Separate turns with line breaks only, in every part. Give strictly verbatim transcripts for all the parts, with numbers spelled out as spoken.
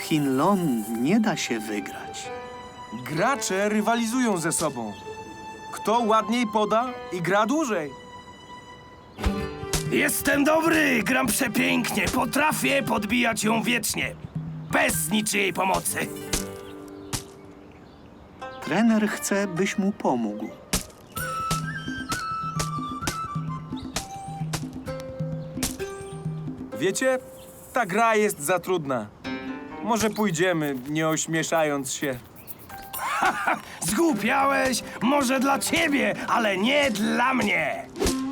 Hinlon nie da się wygrać.
Gracze rywalizują ze sobą. Kto ładniej poda i gra dłużej.
Jestem dobry, gram przepięknie, potrafię podbijać ją wiecznie. Bez niczyjej pomocy.
Trener chce, byś mu pomógł.
Wiecie, ta gra jest za trudna. Może pójdziemy, nie ośmieszając się.
Zgłupiałeś? Może dla ciebie, ale nie dla mnie.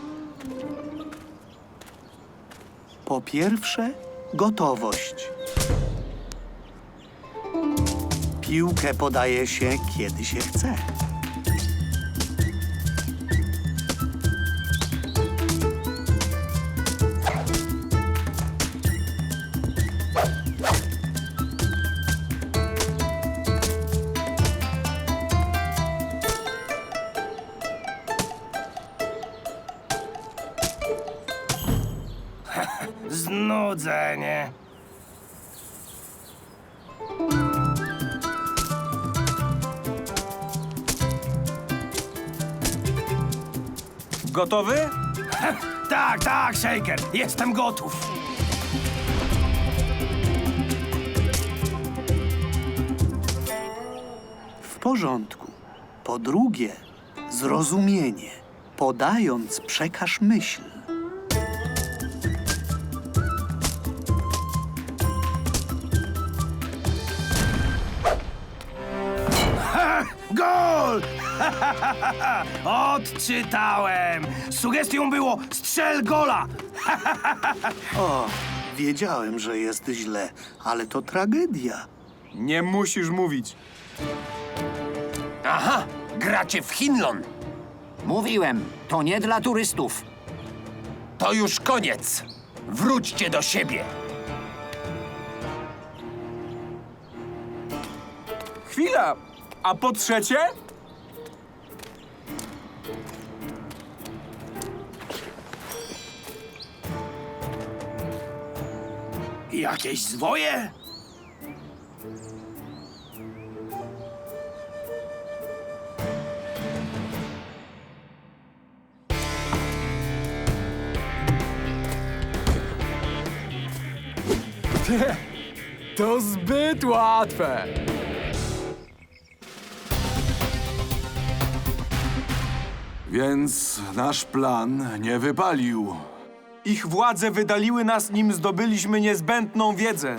Po pierwsze, gotowość. Piłkę podaje się, kiedy się chce.
Znudzenie.
Gotowy?
Tak, tak, Shaker, jestem gotów.
W porządku. Po drugie, zrozumienie. Podając, przekaż myśl.
Gol! Odczytałem. Sugestią było strzel gola.
O, wiedziałem, że jest źle, ale to tragedia.
Nie musisz mówić.
Aha, gracie w Hinlon.
Mówiłem, to nie dla turystów.
To już koniec. Wróćcie do siebie.
Chwila! A po trzecie?
Jakieś zwoje?
To zbyt łatwe.
Więc nasz plan nie wypalił.
Ich władze wydaliły nas, nim zdobyliśmy niezbędną wiedzę.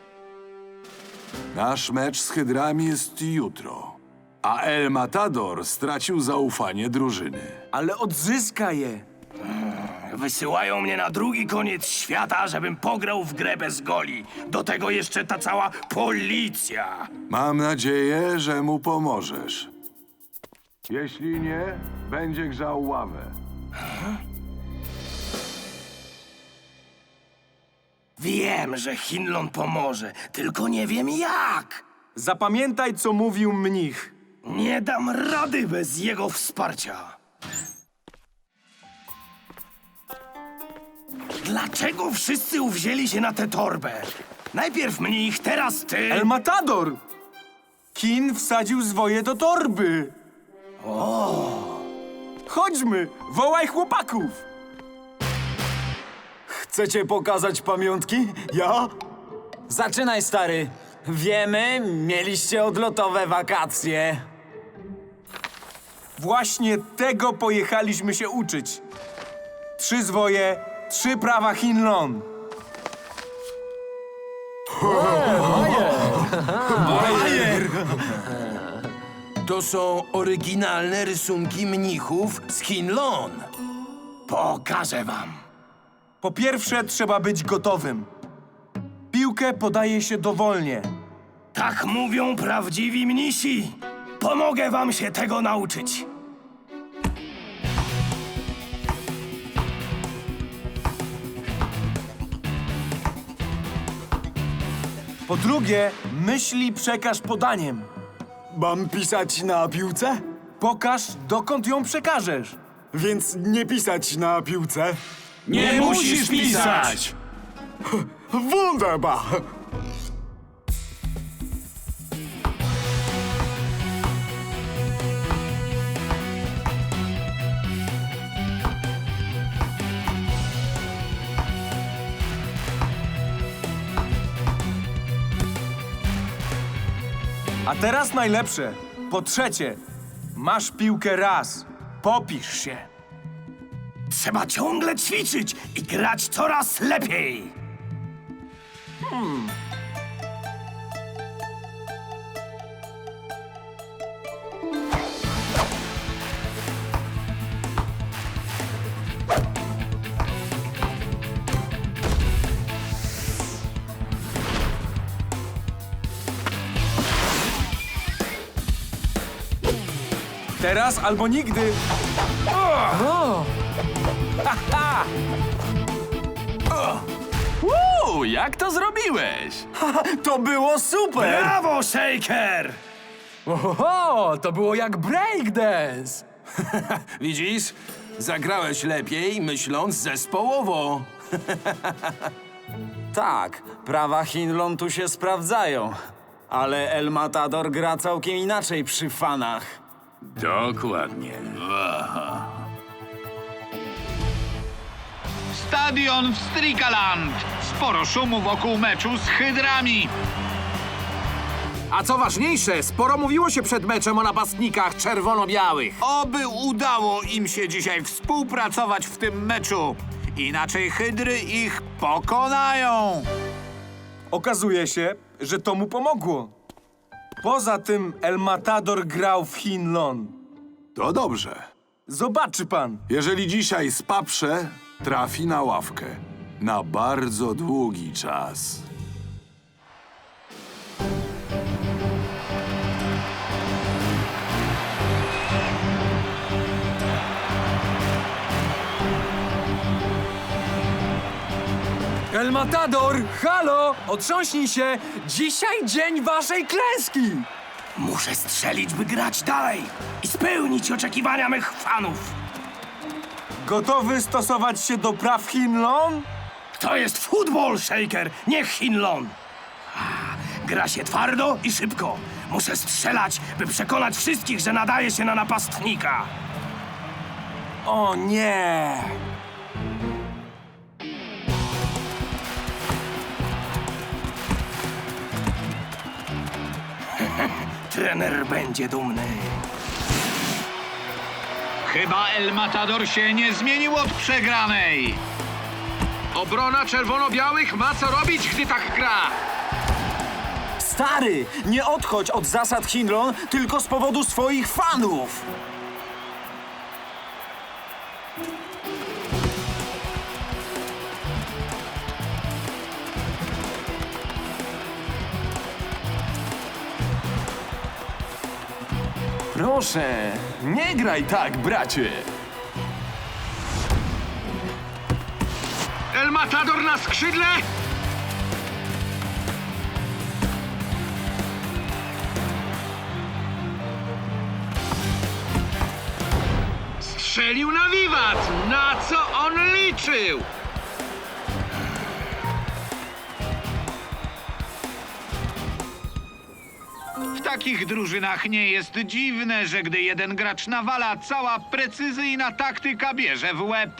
Nasz mecz z Hydrami jest jutro. A El Matador stracił zaufanie drużyny.
Ale odzyska je.
Wysyłają mnie na drugi koniec świata, żebym pograł w grę bez goli. Do tego jeszcze ta cała policja.
Mam nadzieję, że mu pomożesz. Jeśli nie, będzie grzał ławę.
Wiem, że Hinlon pomoże, tylko nie wiem jak.
Zapamiętaj, co mówił mnich.
Nie dam rady bez jego wsparcia. Dlaczego wszyscy uwzięli się na tę torbę? Najpierw mnich, teraz ty.
El Matador! Kin wsadził zwoje do torby.
O!
Chodźmy, wołaj chłopaków.
Chcecie pokazać pamiątki? Ja? Zaczynaj, stary. Wiemy, mieliście odlotowe wakacje.
Właśnie tego pojechaliśmy się uczyć. Trzy zwoje, trzy prawa Hinlon.
To są oryginalne rysunki mnichów z Hinlon.
Pokażę wam.
Po pierwsze, trzeba być gotowym. Piłkę podaje się dowolnie.
Tak mówią prawdziwi mnisi. Pomogę wam się tego nauczyć.
Po drugie, myśli przekaż podaniem.
Mam pisać na piłce?
Pokaż, dokąd ją przekażesz.
Więc nie pisać na piłce.
Nie musisz pisać!
Wunderbar!
A teraz najlepsze. Po trzecie, masz piłkę raz. Popisz się.
Trzeba ciągle ćwiczyć i grać coraz lepiej.
Teraz albo nigdy.
Uuu, jak to zrobiłeś?
To było super!
Brawo, Shaker!
Oho, to było jak breakdance.
Widzisz? Zagrałeś lepiej, myśląc zespołowo.
Tak, prawa Hinlon tu się sprawdzają. Ale El Matador gra całkiem inaczej przy fanach.
Dokładnie.
Stadion w Strikaland. Sporo szumu wokół meczu z Hydrami.
A co ważniejsze, sporo mówiło się przed meczem o napastnikach czerwono-białych.
Oby udało im się dzisiaj współpracować w tym meczu. Inaczej Hydry ich pokonają.
Okazuje się, że to mu pomogło. Poza tym El Matador grał w Hinlon.
To dobrze.
Zobaczy pan.
Jeżeli dzisiaj spaprze, trafi na ławkę. Na bardzo długi czas.
El Matador, halo, otrząśnij się. Dzisiaj dzień waszej klęski.
Muszę strzelić, by grać dalej i spełnić oczekiwania mych fanów.
Gotowy stosować się do praw Hinlon?
To jest futbol, Shaker, nie Hinlon. A, gra się twardo i szybko. Muszę strzelać, by przekonać wszystkich, że nadaje się na napastnika.
O nie!
Trener będzie dumny.
Chyba El Matador się nie zmienił od przegranej.
Obrona czerwono-białych ma co robić, gdy tak gra.
Stary, nie odchodź od zasad Hinlon tylko z powodu swoich fanów.
Proszę, nie graj tak, bracie.
El Matador na skrzydle. Strzelił na wiwat. Na co on liczył? W takich drużynach nie jest dziwne, że gdy jeden gracz nawala, cała precyzyjna taktyka bierze w łeb.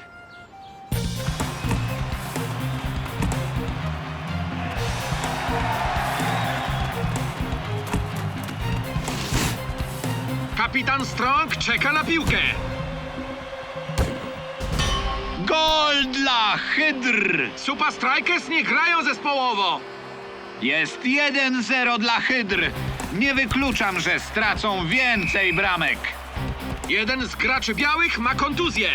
Kapitan Strong czeka na piłkę.
Gol dla Hydr!
Super Strikers nie grają zespołowo.
Jest jeden zero dla Hydr. Nie wykluczam, że stracą więcej bramek.
Jeden z graczy białych ma kontuzję.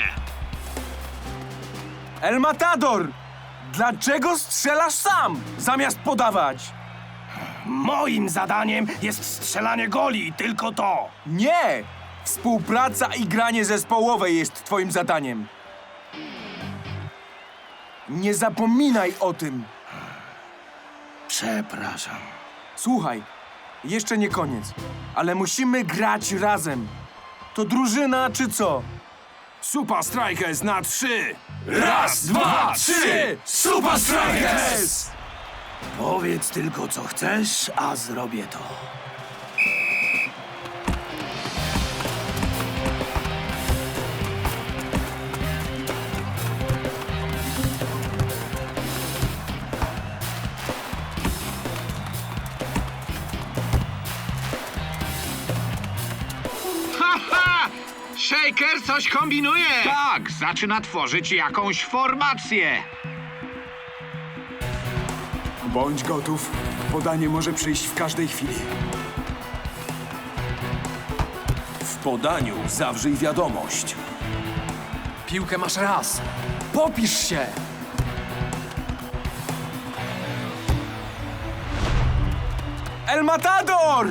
El Matador! Dlaczego strzelasz sam, zamiast podawać?
Moim zadaniem jest strzelanie goli, tylko to.
Nie! Współpraca i granie zespołowe jest twoim zadaniem. Nie zapominaj o tym.
Przepraszam.
Słuchaj, jeszcze nie koniec, ale musimy grać razem. To drużyna, czy co?
Super Strikers na trzy.
Raz, dwa, trzy! Super Strikers!
Powiedz tylko, co chcesz, a zrobię to.
Aha! Shaker coś kombinuje! Tak, zaczyna tworzyć jakąś formację.
Bądź gotów. Podanie może przyjść w każdej chwili. W podaniu zawrzyj wiadomość.
Piłkę masz raz. Popisz się!
El Matador!